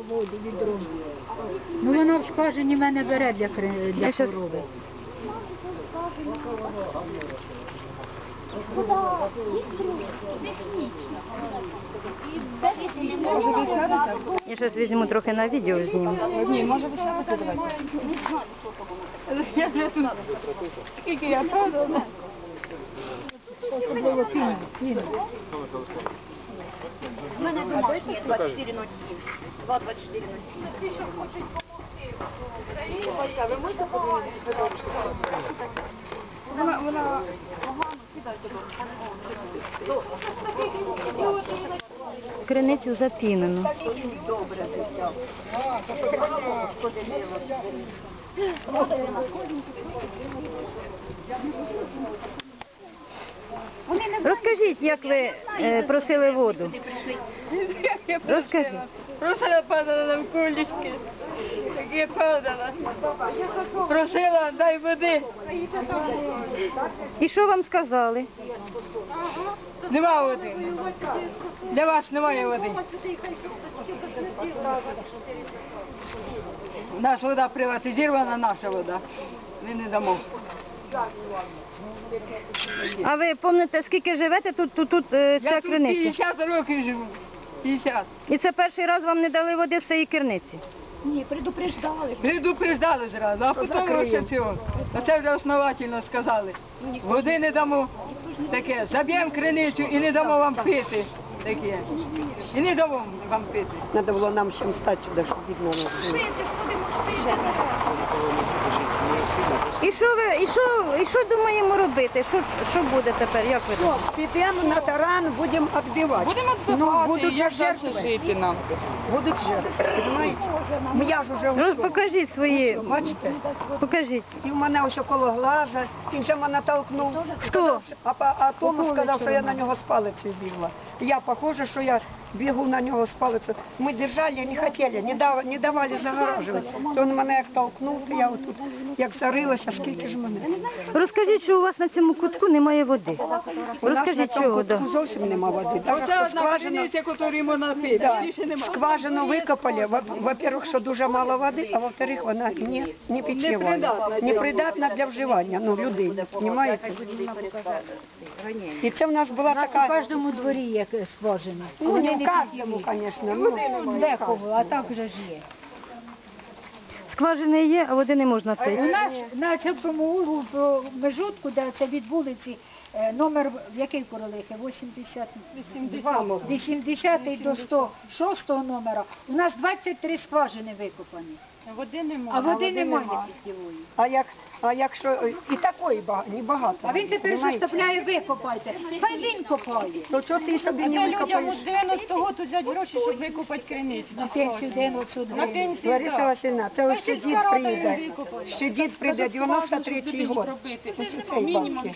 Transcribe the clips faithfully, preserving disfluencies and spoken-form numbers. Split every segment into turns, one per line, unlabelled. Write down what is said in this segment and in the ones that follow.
воду, відро. Ну воно в скважині мене бере для, кри- для
щас-
корови.
Може ви сядете?
Я зараз візьму трохи на відео зніму.
Ні, може ви сядете, давайте. Я вже тут. Скільки я падала.
Особливо пінь. пінь.
У мене домашні двадцять чотири нуль сім. два двадцять чотири нуль сім.
Ви можете подивитися? Вона, вона погано, кидайте.
Криницю запінену.
Добре взяв.
Розкажіть, як ви е, просили воду. Розкажіть.
Просто я падала на кулечки. Так я падала. Просила, дай води.
І що вам сказали?
Нема води. Для вас немає води. У нас вода приватизована, наша вода. Ми не дамо.
А ви пам'ятаєте, скільки живете тут, тут, тут е, ця
Я тут
криниця?
п'ятдесят років живу. п'ятдесят.
І це перший раз вам не дали води з цієї криниці?
Ні, предупреждали.
Предупреждали зразу, а потім ще цього. А це вже основательно сказали. Води не дамо. Таке, заб'ємо криницю і не дамо вам пити. Таке. І не дамо вам пити.
Надо було нам всім стати сюди, щоб видно нас було.
І що ви, і що, і що думаємо робити? Що, що буде тепер? Як ви думаєте?
Підемо на таран, будемо відбивати.
Будемо
Ну, будуть же жертви.
жити нам.
Будуть жертви, розумієте? Ну, я ж уже
Ну,
ушов.
покажіть свої,
Бачите?
покажіть.
І в мене ось около глаза, він же мене толкнув.
Хто?
А, па- а Тому сказав, що я на нього з палицею бігла. Я похоже, що я бігу на нього з палицею. Ми держали, не хотіли, не, дав, не давали загоражувати. То він мене як толкнув, то я отут як зарилася, скільки ж мене.
Розкажіть, що у вас на цьому кутку немає води.
У нас на
Розкажіть,
цьому
чого? Да.
кутку зовсім нема води. Даже
Оце
що
одна
скважина,
криниця, яку можна пити,
да,
більше нема.
скважину викопали. Во- Во-первых, що дуже мало води, а во-вторых, вона не, не питєва, не придатна для вживання, ну, людей, розумієте? І це в нас була
У нас у
така,
кожному дворі є скважини.
ну,
Вони
не в
не
кожному,
питєві.
звісно, ну,
Декого, а так вже ж є.
Скважини є, а води не можна
У
пити.
нас на цьому углу про межутку, де це від вулиці, е, номер в який Королихи? вісімдесят вісімдесят до сто шостого номера. У нас двадцять три скважини викопані.
Води немає.
А води немає питьєвої.
а, як, а якщо і такої ба- небагато.
А він тепер
розумієте?
заставляє викопайте. Хай він копає.
То чого ти собі не викопаєш?
дев'яностого тут взяти гроші, щоб викупати криницю.
На пенсію дев'яносто
На
гривень.
пенсію,
Лариса
так.
Васильівна, це ось ще дід
сільська рада
прийде.
їм викопає.
Ще дід прийде, дев'яносто третій год. Ось у цей банки.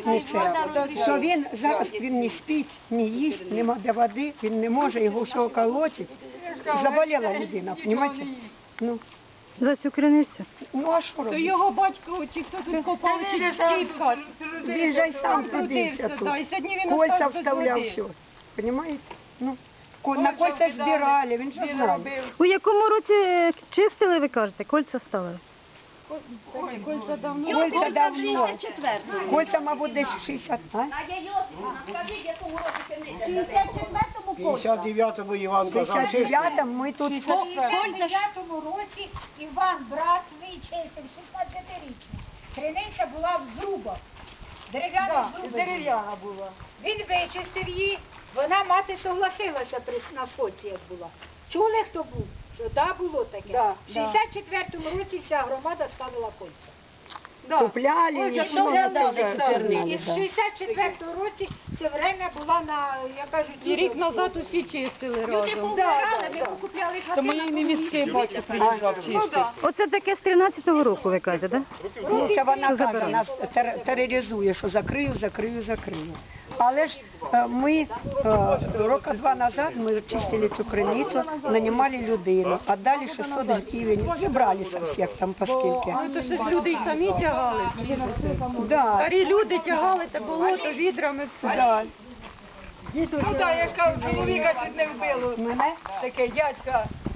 Що він зараз він не спить, не їсть, нема де води, він не може, його всього колотить. Заболіла людина, розумієте? Ну,
За цю криницю?
ну а що
То
робити?
його батько, чи хто тут копав, чи дідка.
Він же й сам трудився тут.
да, і сьогодні він
Кольця
остався без
вставляв
води.
все. Розумієте? Ну, ко- на кольця збирали, він же знає.
У якому році е, чистили, ви кажете, кольця ставили?
Ой, кольця давно.
Кольця давно.
шістдесят четвертому.
Кольця, мабуть, десь шістдесят, а?
Надя Йосифівна, скажіть, якому році криниця? шістдесят четвертому
п'ятдесят дев'ятому Іван казав,
В дев'ятому ми тут...
У шістдесят дев'ятому році Іван, брат свій чистив, шістнадцятирічний. Криниця була в зрубах. Дерев'яна зруба.
Дерев'яна була.
Він вичистив її, вона мати согласилася при на сходці, як була. Чули, хто був? Що да, було таке.
Да,
в шістдесят четвертому році вся громада ставила кольця.
Купляли,
Ой,
нічого
добре,
не
добре,
казали.
добре.
І в шістдесят четвертому році все время була на, я кажу,
І рік назад усі чистили
Люди
разом.
помирали, ми купляли хати на
невістки батько приїжджав чистити.
Оце таке з тринадцятого року, ви кажете, так?
Ну, це вона
Що
каже,
забирає?
нас тер- тероризує, що закрию, закрию, закрию. Але ж е, ми е, роки два назад ми чистили цю криницю, нанімали людину, віддали шістсот гривень, зібралися всіх там поскільки.
Ну, то ще ж люди й самі тягали.
Да,
Старі люди тягали те болото відрами.
да.
Ну так, я ж кажу, чоловіка чуть не вбило.
Мене?
Таке дядька, е,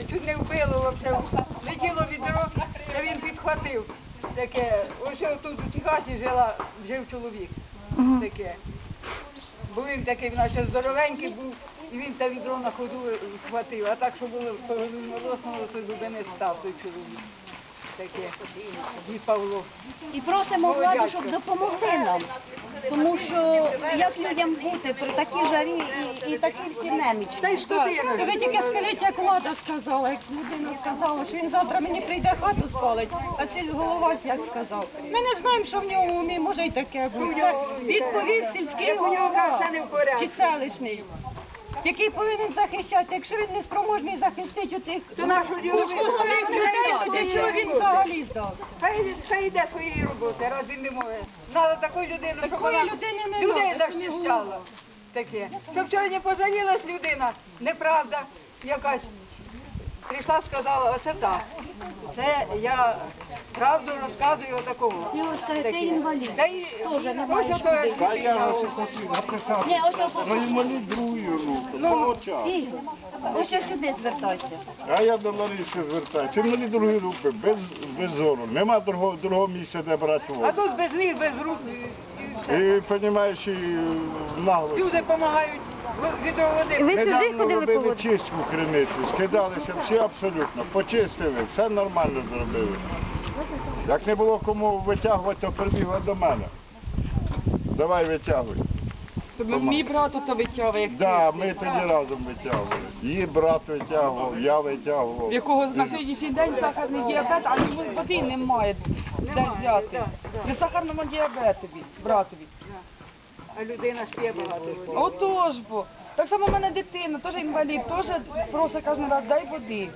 чуть не вбило взагалі. Летіло відро, та він підхватив. Таке, ось тут у Техасі жила, жив чоловік.
Мгм.
Таке. Бо він такий, наче здоровенький був, і він те відро на ходу схватив. А так, що було розмолосного, то дуби не став той чоловік. Таке, дід Павло.
І просимо
Ой,
владу,
дядько.
щоб допомогли нам. Тому що як людям бути при такій жарі і, і такі всі немічні.
Та й скотина.
Ви тільки скажіть, як влада сказала, як людина сказала, що він завтра мені прийде хату спалить, а сіль голова як сказав. Ми не знаємо, що в нього в умі може й таке бути. Це відповів сільський
Як у нього
голова
все не в порядку.
чи селищний, який повинен захищати. Якщо він не спроможний захистити оцих
То нашу ділову
своїх людей, то для чого він взагалі здався?
Хай, хай йде своєї роботи, раз він не може. Надо таку людину, щоб
Такої
вона
людини не
людей
надо, це не
захищала. Таке. Щоб сьогодні пожалілась людина, неправда якась. Прийшла, сказала, оце так. Це я правду розказую отакого.
І ось це- це інвалід.
Та й
Теж немає
ось ото
людей.
Та я
дитина.
ось хотів написати.
Ні, ось ось
Ну, інвалід другої руки, ну, час.
Ігор, ось ось сюди звертайся.
А я до Лариси звертаюся. Інвалід другої руки, без, без зору. Нема другого, другого місця, де брати
А
воду.
тут без ніг, без рук. і- і все.
І, розумієш, і наглость.
Люди допомагають відро води.
Ви сюди
Недавно
ходили по
робили
воду?
чистку в криниці, скидалися всі абсолютно, почистили, все нормально зробили. Як не було кому витягувати, то прибігла до мене. Давай витягуй.
Мій брат ото витягує, як
Да, ми тоді разом витягували. Її брат витягував, я витягував.
в якого на сьогоднішній день сахарний діабет, а йому води немає де взяти. При сахарному діабетові, братові.
А людина спє багато води.
Отож бо. Так само в мене дитина, теж інвалід, теж просить кожен раз, дай води.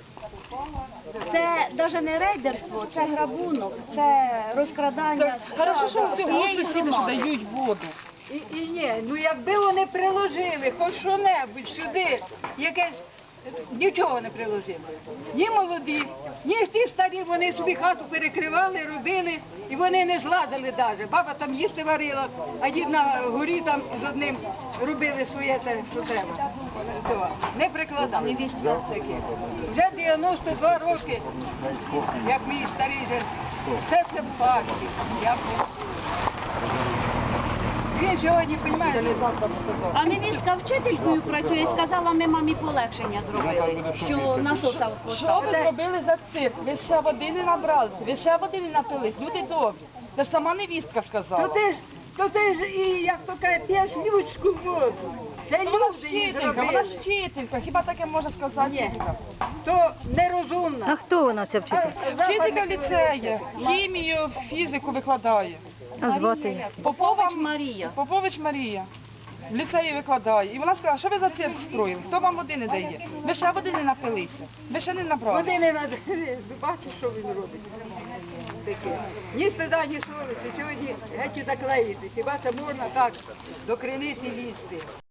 Це навіть не рейдерство, це грабунок, це розкрадання.
Хорошо, що всього
всієї
сусіди, що
громади.
дають воду.
І, і ні, ну якби вони приложили хоч що-небудь сюди, якесь, нічого не приложили. Ні молоді, ні ті старі, вони собі хату перекривали, робили, і вони не зладили навіть. Баба там їсти варила, а дід на горі там з одним робили своє те, що треба. То, не прикладали. Таке. Вже дев'яносто два роки, як мій старий же, все це в факті. Я б- Він сьогодні, розумієте,
А невістка вчителькою працює, сказала, ми мамі полегшення зробили, що насоса
Що
поставили.
ви зробили за цирк? Ви ще води не набралися, ви ще води не напились, люди добрі. Це ж сама невістка
то
сказала.
ти ж, то ти ж і, як то каже, п'єш людську воду. Це
Ну, вона
люди її
вчителька, вона
зробили.
вчителька, хіба таке може сказати
Ні.
вчителька?
То
А
нерозумна.
хто вона ця вчителька?
Вчителька в ліцеї, хімію, фізику викладає.
А звати її?
Попова
Марія.
Попович Марія. В ліцеї викладає. І вона сказала, що ви за цирк строїли? Хто вам води не дає? Ви ще води не напилися. Ви ще не набрали.
Вони не надо. Бачиш, що він робить? Таке. Ні стида, ні совісті. Сьогодні геть заклеїти. Хіба це можна так до криниці лізти?